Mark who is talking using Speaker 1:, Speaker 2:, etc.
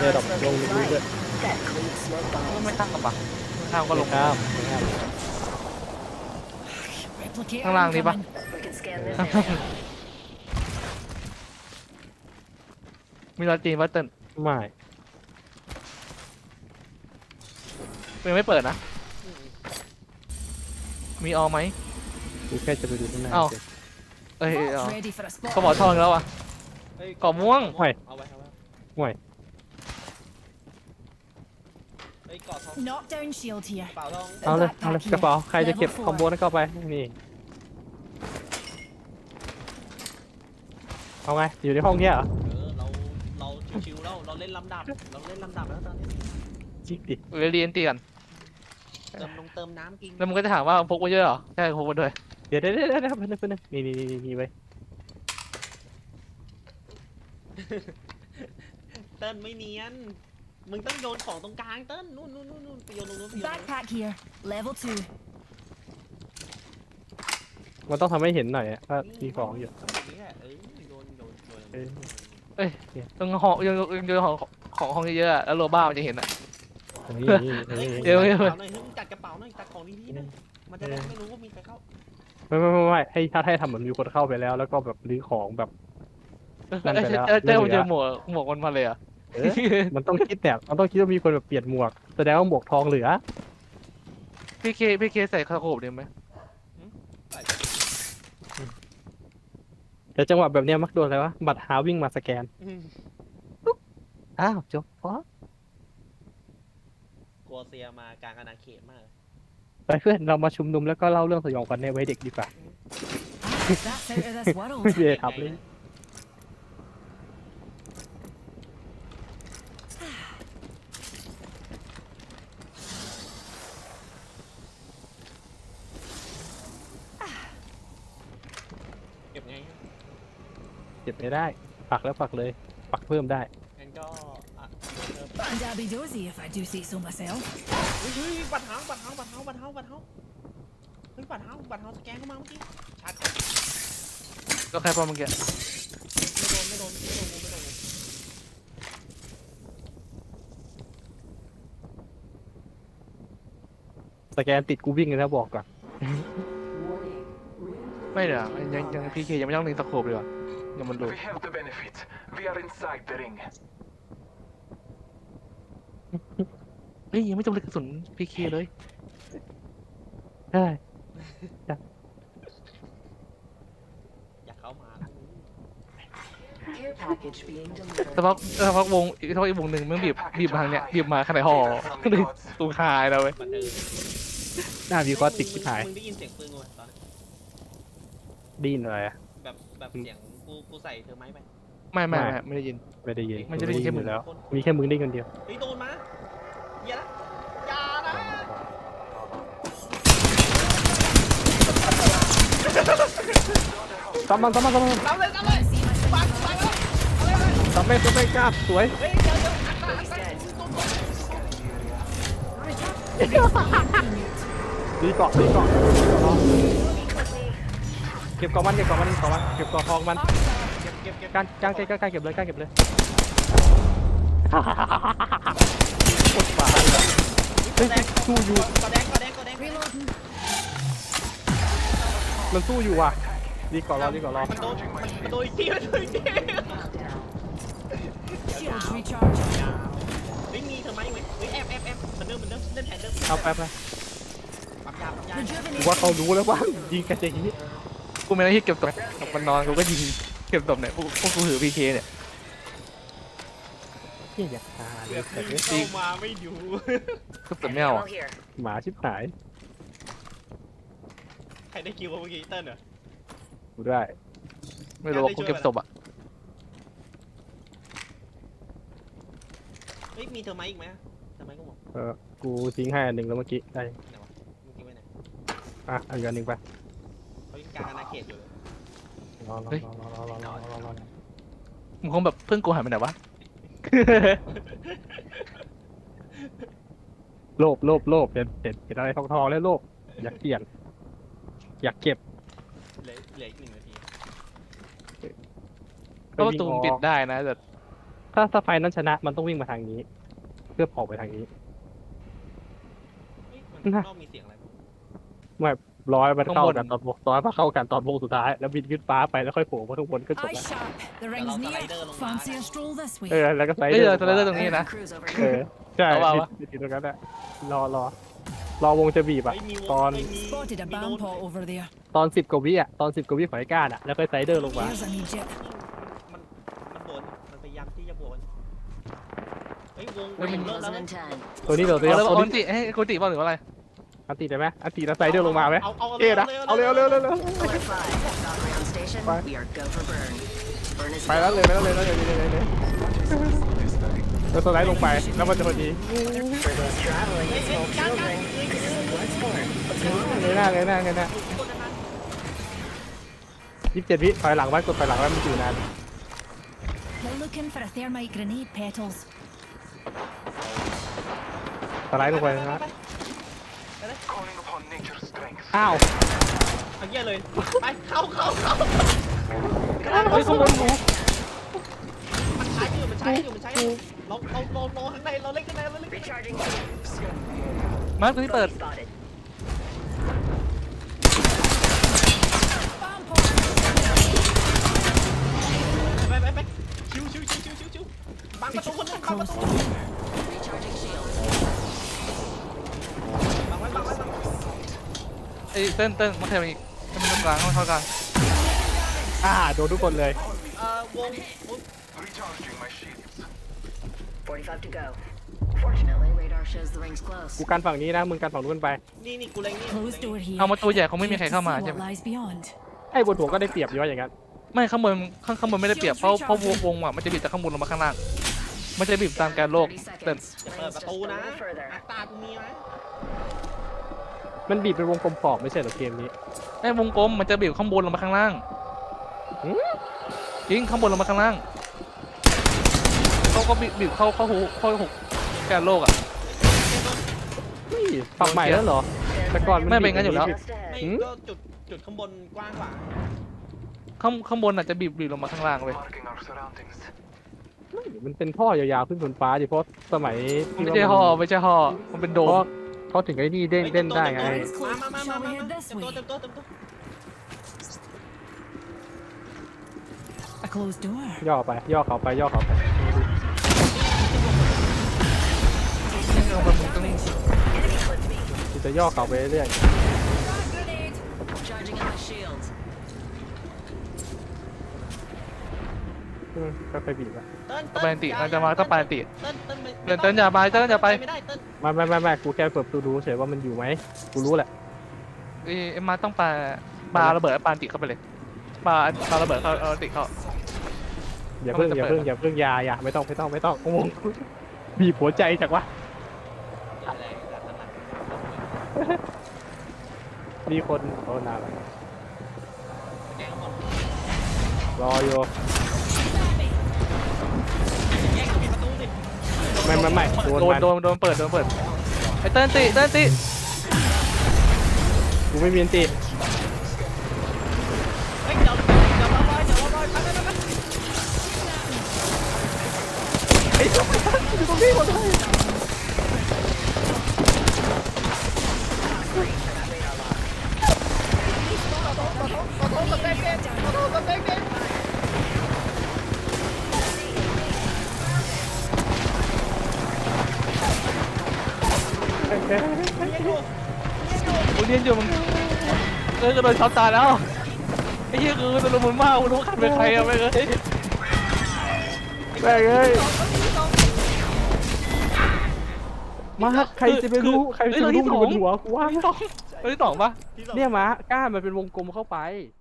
Speaker 1: เอร์ดรอปลงลึกๆด้วย
Speaker 2: ไม่ข้ามกับปะไม่ข้ามก็ลง
Speaker 1: ข้ามข้าม
Speaker 3: Replicator
Speaker 2: ข้างล่างนี่ปะ
Speaker 3: incoming.
Speaker 4: We can scan this area.
Speaker 2: มีรอยจีนวัตเติ้ล
Speaker 1: ไม่
Speaker 2: ยังไม่เปิดนะมีออไหม
Speaker 1: กูแค่จะไปดูข้างหน้า
Speaker 2: เอ้า
Speaker 1: เฉย
Speaker 2: เอ้ย
Speaker 3: Vault's
Speaker 2: เอา
Speaker 3: ready for a spot.
Speaker 2: ก็บอกทองแล้วอ่ะ กรอบม่วง
Speaker 1: ห่วย
Speaker 5: เอาไว้เอาไว้
Speaker 1: ห่วย
Speaker 5: เฮ้ยเกาะทอง
Speaker 3: Knockdown shield here.
Speaker 5: เปล่าทอง
Speaker 1: เอาเลยเอาเลยกระเป๋าใครจะเก็บคอมโบนั้นก็เอาไปนี่เอาไงอยู่ในห้องเนี้ยเหรอ
Speaker 5: เราชิวๆแล้วเราเล่นลำดับเราเล่นลำดับแล้วตอนนี้
Speaker 1: จิกดิ
Speaker 2: เรียนตีกัน
Speaker 5: เติมน้ำกิน
Speaker 2: แล้วมึงก็จะถามว่าพกมาเยอะเหรอใช่พกมาด้วย
Speaker 1: เดี๋ยวเพื่อนนี่ไว้
Speaker 5: เติ้ลไม่เนียนมึงต้องโยนของตรงกลางเติ้ลนู่นไปโยนตรงนู้นไปโยนตรงนู้น
Speaker 3: Backpack here. Level 2.
Speaker 1: มันต้องทำให้เห็นหน่อยอะว่ามีของอยู่
Speaker 5: นี่แหละโยน
Speaker 1: เอ้ย
Speaker 2: ต้องห่อยังของห้องเยอะๆอะแล้วโรบ้ามันจะเห็นอ่ะ
Speaker 1: นี่
Speaker 2: เดี๋ยว
Speaker 5: กระเป๋าหน่อยจัดกระเป๋าหน่อยจัดของดีๆนะมันจะได้ไม่รู้ว่ามีใครเข้า
Speaker 1: ไม่ให้ถ้าทำเหมือนมีคนเข้าไปแล้วแล้วก็แบบรื้อของแบบ นั่นไปแล้ว
Speaker 2: เจ้ามันเจอหมวกมันมาเลยอ่ะ
Speaker 1: มันต้องคิดแบบมันต้องคิดว่ามีคนแบบเปลี่ยนหมวกแสดงว่าหมวกทองเหลือ
Speaker 2: พี่เคใส่คาโคบดีไหม
Speaker 1: แต่จังหวะแบบเนี้ยมักโดนอะไรวะบัตรหาวิ่งมาสแกนอ้าวจบเพราะ
Speaker 5: กลัวเซียมากลางอาณาเขตมาก
Speaker 1: ไปเพื่อนเรามาชุมนุมแล้วก็เล่าเรื่องสยองขวัญในวัยเด็กดีกว่า
Speaker 3: That's out of this world.
Speaker 1: ไม่ได้ทำเลย
Speaker 5: เก็บไง
Speaker 1: เก็บไม่ได้ปักแล้วปักเลย ปักเพิ่มได้
Speaker 5: งั้นก็
Speaker 3: And I'll be dozy if I do say so myself.
Speaker 5: เฮ้ยบัตรเท้าเฮ้ยบัตรเท้าสแกนเข้ามาเมื่อกี้ชัด
Speaker 2: ก็แค่พอเมื่อกี้
Speaker 5: ไม่โดน
Speaker 1: สแกนติดกูวิ่งเลยนะบอกก่อน
Speaker 2: ไม่เดี๋ยวยังพี่เคยังไม่ต้องลิงสโคบเลยว่ะยังมันดู
Speaker 6: We have the benefit. We are inside the ring.
Speaker 2: เฮ้ยยังไม่จบเลยกระสุนพี่เคเลย
Speaker 1: ใช่
Speaker 5: อยากเข้ามา
Speaker 4: Care package being
Speaker 2: สัก
Speaker 4: delivered.
Speaker 2: พักวงอีกวงหนึ่งมึงบีบมาทางเนี้ยบีบมาขนาดห่อ
Speaker 6: From the gods.
Speaker 2: ตูคายแล้วเว้ย
Speaker 5: บันเทิง
Speaker 1: หน้าวิวก็ติดที่หาย
Speaker 5: มึงได้ยินเสียงปืนกูไหมตอนนี้
Speaker 1: ดีนอะไรอะ
Speaker 5: แบบเสียงกูใส่เธอไหมไป
Speaker 2: ไม่ได้ยิน
Speaker 1: ไม่ได้ยิน
Speaker 2: มันจะได้ยินแค่มึง
Speaker 1: อยู่แล้ว มีแค่มึงได้คนเดียว
Speaker 5: เฮ้ยโดนมาอย่านะอย่านะ
Speaker 1: ตามมัน
Speaker 5: ทำเลย
Speaker 3: See my signal.
Speaker 1: ตามไม่กล้าสวย
Speaker 5: เฮ้ยเดี๋ยว
Speaker 1: ดีเกาะเก็บเกาะมันเก็บเกาะทองมัน
Speaker 5: เก็บ
Speaker 1: การเก็บเลยกดฝาเฮ้ยสู้อยู่
Speaker 5: กอแดง
Speaker 3: Reloading.
Speaker 1: มันสู้อยู่ว่ะดีเกาะรอ
Speaker 5: มันโดนอีกที
Speaker 3: Shields recharging.
Speaker 5: ไม่มีเธอไหมเฮ้ยแอบเหมือนเดิมเล่นแผนเดิม
Speaker 1: เอาแป๊บนะ
Speaker 5: ปั๊มยา
Speaker 1: กูว่าเขารู้แล้วว่ายิงกันอย่างนี้
Speaker 2: กูไม่ได้ที่เก็บศพมันนอนกูก็ยิงเก็บศพเนี่ยพวกกูถือพีเคเนี่ย
Speaker 1: เฮียอยากตายเลยแต่
Speaker 5: เข้ามาไม่ดู
Speaker 2: ก็สุดไม่เอา
Speaker 4: Ammo
Speaker 2: อ่ะ
Speaker 4: here.
Speaker 1: หมาชิบหาย
Speaker 5: ใครได้คิวเมื่อกี้เติ้ลเหรอ
Speaker 1: กูได้
Speaker 2: ไม่รู้ว่ากูเก็บศพอ่ะ
Speaker 5: เฮ้ยมีเธอไหมอีกไหมเธอไหมก็บอก
Speaker 1: กูทิ้งให้อันหนึ่งแล้วเมื่อกี้ได้
Speaker 5: ไหนวะเมื่อกี้ไว้ไหน
Speaker 1: อ่ะเอาอีกอันหนึ่งไป
Speaker 5: เขายังกลางอาณาเขตอยู่เลย
Speaker 1: รอ
Speaker 2: มึงคงแบบเพื่อนกูหายไปไหนวะ
Speaker 1: โลภเห็นอะไรทองแล้วโลภอยากเปลี่ยนอยากเก็บ
Speaker 5: เหลืออีก1 นาที
Speaker 2: เพราะประตูมันปิดได้นะแต่
Speaker 1: ถ้าไฟนั้นชนะมันต้องวิ่งมาทางนี้ เพื่อออกไปทางนี้
Speaker 5: เฮ้ยมันข้างนอกมีเสียงอะไรบ้าง
Speaker 1: ไม่ร้อยมันเข้ากันตอนร้อยมาเข้ากันตอนวงสุดท้ายแล้วบินขึ้นฟ้าไปแล้วค่อยโผล่มาข้างบนก็จบ
Speaker 3: Eye
Speaker 1: แล้ว
Speaker 3: sharp. The ring's near. Fancy a stroll this way.
Speaker 1: แล้วก็ไซ
Speaker 2: เฮ้ย
Speaker 1: เด
Speaker 2: เดี๋
Speaker 1: อ
Speaker 2: ยว
Speaker 1: ร์
Speaker 2: จะเล่นตรงนี้นะ
Speaker 4: Cruise over
Speaker 1: เอ
Speaker 4: here.
Speaker 1: อใช่
Speaker 2: เอาวะ
Speaker 1: บินตรงนั้นแหละรอวงจะบีบอะ
Speaker 5: เฮ้ยมีวง
Speaker 1: ตอน
Speaker 5: เฮ้ยมี
Speaker 3: Spotted a
Speaker 5: มีโน้
Speaker 3: band
Speaker 5: ต
Speaker 3: pot over there.
Speaker 1: ตอน10 กว่าวิอะตอน10 กว่าวิของไอ้ก้านอะแล้วก็ไซเดอร์ลงมา
Speaker 3: Here's an Egypt.
Speaker 5: มันโดนมันพยายามที่จะบวนเฮ้ยวง
Speaker 4: Ring
Speaker 5: เริ่มแล้ว
Speaker 4: closing in 10.
Speaker 1: ตัวนี้เรา
Speaker 2: เอาเลย
Speaker 1: ตัว
Speaker 2: เอา
Speaker 1: นี้
Speaker 2: ติให้กูติบ้างหรือว่าอะไร
Speaker 1: อันตีได้ไหมอันตีแล้วไซเดอร์ลงมาไหม
Speaker 5: เอา
Speaker 1: เอ๊ะนะเอาเร็ว
Speaker 4: Pillar 5, Valkyrie on station.
Speaker 1: Fine.
Speaker 4: We are go for burn. Burn is
Speaker 1: ไปแล้วเลยแล้วสไลด์ลงไปแล้วมันจะพอดี
Speaker 4: for those traveling with small children. This is Bloodsport.
Speaker 1: เลยหน้า27 วิถอยหลังไว้กดถอยหลังไว้มันอยู่นาน
Speaker 3: They're looking for a thermite grenade petals.
Speaker 1: สไลด์ลงไปนะ
Speaker 6: Calling upon nature's strength.
Speaker 1: อ้าว
Speaker 5: เอาเยี่ยเลยไปเข้า
Speaker 1: เฮ้ยข้างบนหนู
Speaker 5: มันใช้อยู่เราข้างในเราเล่นข้างในเราเล่นข้างใน
Speaker 4: Recharging shields.
Speaker 2: มาร์คตัวนี้เปิด
Speaker 4: Spotted.
Speaker 3: Band pot.
Speaker 5: ไปชิวบังประตูคนนึงบังประตู
Speaker 4: Recharging shields.
Speaker 5: บังไว้
Speaker 2: ไอ้เต้นมาแข่งอีกให้มันตรงกลางให้มันเข้ากลาง
Speaker 1: โดนทุกคนเลย
Speaker 5: วง
Speaker 6: Recharging my shields.
Speaker 4: 45 to go. Fortunately, radar shows the ring's close.
Speaker 1: กูกันฝั่งนี้นะมึงกันฝั่งนู้นไป
Speaker 5: นี่กูเล็งนี่
Speaker 3: Closed door here.
Speaker 2: เอามาตัวใหญ่คงไม่มีใคร
Speaker 3: Yet to
Speaker 2: เข้ามา
Speaker 3: see
Speaker 2: ใช่
Speaker 3: what
Speaker 2: ไหม
Speaker 3: lies beyond.
Speaker 1: ไอ้บนหัวก็ได้เปรียบอยู่ว่าอย่างนั้น
Speaker 2: ไม่ข้างบนไม่ได้เปรียบเพราะวงอ่ะมันจะบีบจากข้างบนลงมาข้างล่างมันจะบีบตามการโลก
Speaker 4: 30
Speaker 2: เต้น
Speaker 4: seconds.
Speaker 5: จะเปิด
Speaker 4: Rings
Speaker 5: ประ
Speaker 4: just
Speaker 5: ตู
Speaker 4: a
Speaker 5: นะ
Speaker 4: little further.
Speaker 5: ตากูมีไหม
Speaker 1: มันบีบเป็นวงกลมขอบไม่ใช่เหรอเกมนี้
Speaker 2: ไอ้วงกลมมันจะบีบข้างบนลงมาข้างล่าง
Speaker 1: หืม
Speaker 2: จริงข้างบนลงมาข้างล่างเขาก็บีบเข้าหูการโลกอ่ะ
Speaker 1: นี่ปรับใหม่แล้วเหรอ แต่ก่อนมัน
Speaker 2: ไม่เป็นงั้นอยู่แล้ว
Speaker 1: บีบ
Speaker 4: Just ahead.
Speaker 5: ไม่ก็จุดข้างบนกว้างกว่า
Speaker 2: ข้างบนอาจจะบีบลงมาข้างล่างเลย
Speaker 6: Marking our surroundings.
Speaker 1: มันเป็นท่อยาวๆขึ้นบนฟ้าดิเพราะสมัยที่
Speaker 2: ไม่ใช่ห่อไม่ใช่ห่อมันเป็นโด
Speaker 1: เพ
Speaker 2: ม
Speaker 1: ราะเขาถึงไอ้นี่เด้งเล่นได้ไง
Speaker 5: มาเต็มตัว
Speaker 3: A closed door.
Speaker 1: ย่อไป ย่อเขาไปจะย่อเขาไปเรื่อย
Speaker 3: Frag grenade.
Speaker 4: Charging up my shields.
Speaker 1: ก็ไปบีบอะ
Speaker 2: ปานติมันจะมาต้องปานติ
Speaker 5: เต้น
Speaker 2: เต้นอย่าไปเต้นอย่าไป
Speaker 5: ไม่ได้เต้น
Speaker 1: ไม่กูแค่เปิดประตูดูเฉยว่ามันอยู่ไหมกูรู้แหละ
Speaker 2: เอ็มมาต้องปาระเบิดปานติเข้าไปเลยปาระเบิดเข้าเอาติเข้า
Speaker 1: อย่าเพิ่งอย่าไม่ต้องงงบีบหัวใจจากวะมีคนโอ้นานแล้วรออยู่ไม่โดน
Speaker 2: โดนเปิดไอ้เต้นติ
Speaker 1: กูไม่มีอันติ
Speaker 5: เฮ้ยเดี๋ยวรอไป
Speaker 1: ไอ้ตัวอยู่ตรงนี้หมดเลย
Speaker 2: กูเรียนอยู่มึงก็โดนช็อตตายแล้วไอ้เหี้ยคือตะลุมมากกูรู้ขันเป็นใครอะไม่เลย
Speaker 1: แม่งเอ้ยมาใครจะไปรู้ใครจะไปรู้อยู่บนหัวกูว่า
Speaker 2: ตัวที่สองปะ
Speaker 1: เนี่ยม้าก้านมันเป็นวงกลมเข้าไป